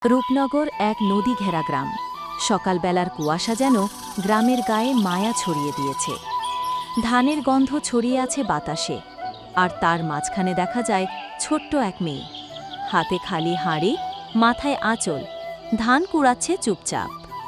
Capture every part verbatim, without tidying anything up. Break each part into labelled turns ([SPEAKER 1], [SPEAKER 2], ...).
[SPEAKER 1] রূপনগর এক নদী ঘেরা গ্রাম। সকালবেলার কুয়াশা যেন গ্রামের গায়ে মায়া ছড়িয়ে দিয়েছে। ধানের গন্ধ ছড়িয়ে আছে বাতাসে, আর তার মাঝখানে দেখা যায় ছোট্ট এক মেয়ে, হাতে খালি হাঁড়ি, মাথায় আঁচল, ধান কুড়াচ্ছে চুপচাপ।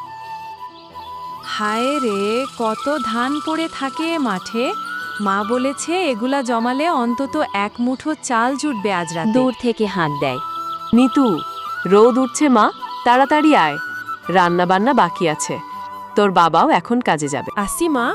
[SPEAKER 2] হায় রে, কত ধান পড়ে থাকে মাঠে। মা বলেছে এগুলা জমালে অন্তত এক মুঠো চাল জুটবে আজ রাতে।
[SPEAKER 1] দূর থেকে হাঁক দেয়,
[SPEAKER 3] নিতু, রোদ উঠছে মা, তাড়াতাড়ি আয়, রান্না বান্না বাকি আছে। তোর বাবাও এখন কাজে যাবে।
[SPEAKER 2] আসি মা।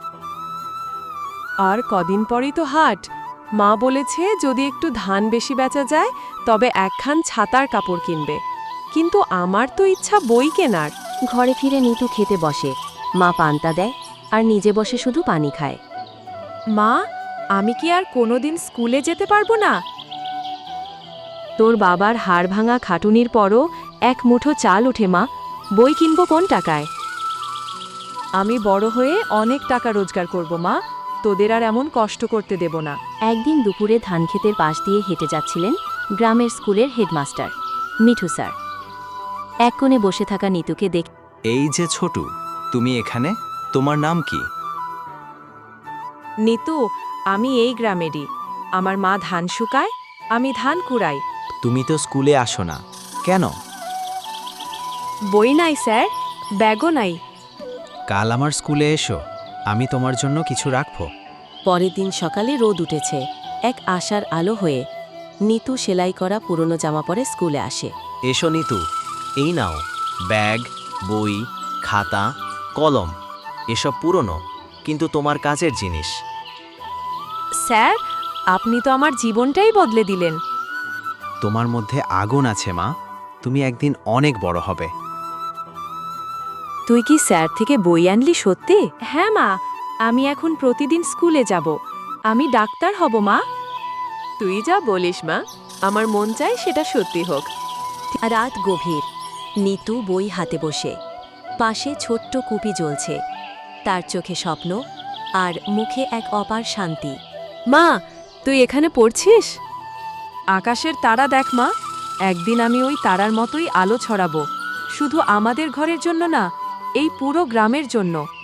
[SPEAKER 2] আর কদিন পরই তো হাট। মা বলেছে যদি একটু ধান বেশি বেচা যায় তবে একখান ছাতার কাপড় কিনবে। কিন্তু আমার তো ইচ্ছা বই কেনার।
[SPEAKER 1] ঘরে ফিরে নিতু খেতে বসে। মা পান্তা দেয় আর নিজে বসে শুধু পানি খায়।
[SPEAKER 2] মা, আমি কি আর কোনোদিন স্কুলে যেতে পারবো না?
[SPEAKER 1] তোর বাবার হাড় ভাঙা খাটুনির পরও এক মুঠো চাল ওঠে মা, বই কিনবো কোন টাকায়?
[SPEAKER 2] আমি বড় হয়ে অনেক টাকা রোজগার করব মা, তোদের আর এমন কষ্ট করতে দেব না।
[SPEAKER 1] একদিন দুপুরে ধানক্ষেতের পাশ দিয়ে হেঁটে যাচ্ছিলেন গ্রামের স্কুলের হেডমাস্টার মিঠু স্যার। এক কোণে বসে থাকা নিতুকে দেখ।
[SPEAKER 4] এই যে ছোটু, তুমি এখানে? তোমার নাম কি?
[SPEAKER 2] নিতু, আমি এই গ্রামেরই। আমার মা ধান শুকায়, আমি ধান কুড়াই।
[SPEAKER 4] তুমি তো স্কুলে আসো না কেন?
[SPEAKER 2] বই নাই স্যার, ব্যাগও নাই।
[SPEAKER 4] কাল আমার স্কুলে এসো, আমি তোমার জন্য কিছু রাখবো।
[SPEAKER 1] পরের দিন সকালে রোদ উঠেছে, এক আশার আলো হয়ে। নিতু সেলাই করা পুরনো জামা পরে স্কুলে আসে।
[SPEAKER 4] এসো নিতু, এই নাও ব্যাগ, বই, খাতা, কলম। এসব পুরনো, কিন্তু তোমার কাজের জিনিস।
[SPEAKER 2] স্যার, আপনি তো আমার জীবনটাই বদলে দিলেন।
[SPEAKER 4] তোমার মধ্যে আগুন আছে মা, তুমি একদিন অনেক বড় হবে।
[SPEAKER 1] তুই কি স্যার থেকে বই আনলি সত্যি?
[SPEAKER 2] হ্যাঁ মা, আমি এখন প্রতিদিন স্কুলে যাব। আমি ডাক্তার হব মা।
[SPEAKER 3] তুই যা বলিস মা, আমার মন চায় সেটা সত্যি হোক।
[SPEAKER 1] রাত গভীর, নিতু বই হাতে বসে। পাশে ছোট্ট কুপি জ্বলছে, তার চোখে স্বপ্ন আর মুখে এক অপার শান্তি।
[SPEAKER 3] মা, তুই এখানে পড়ছিস?
[SPEAKER 2] আকাশের তারা দেখ মা, একদিন আমি ওই তারার মতোই আলো ছড়াবো। শুধু আমাদের ঘরের জন্য না, এই পুরো গ্রামের জন্য।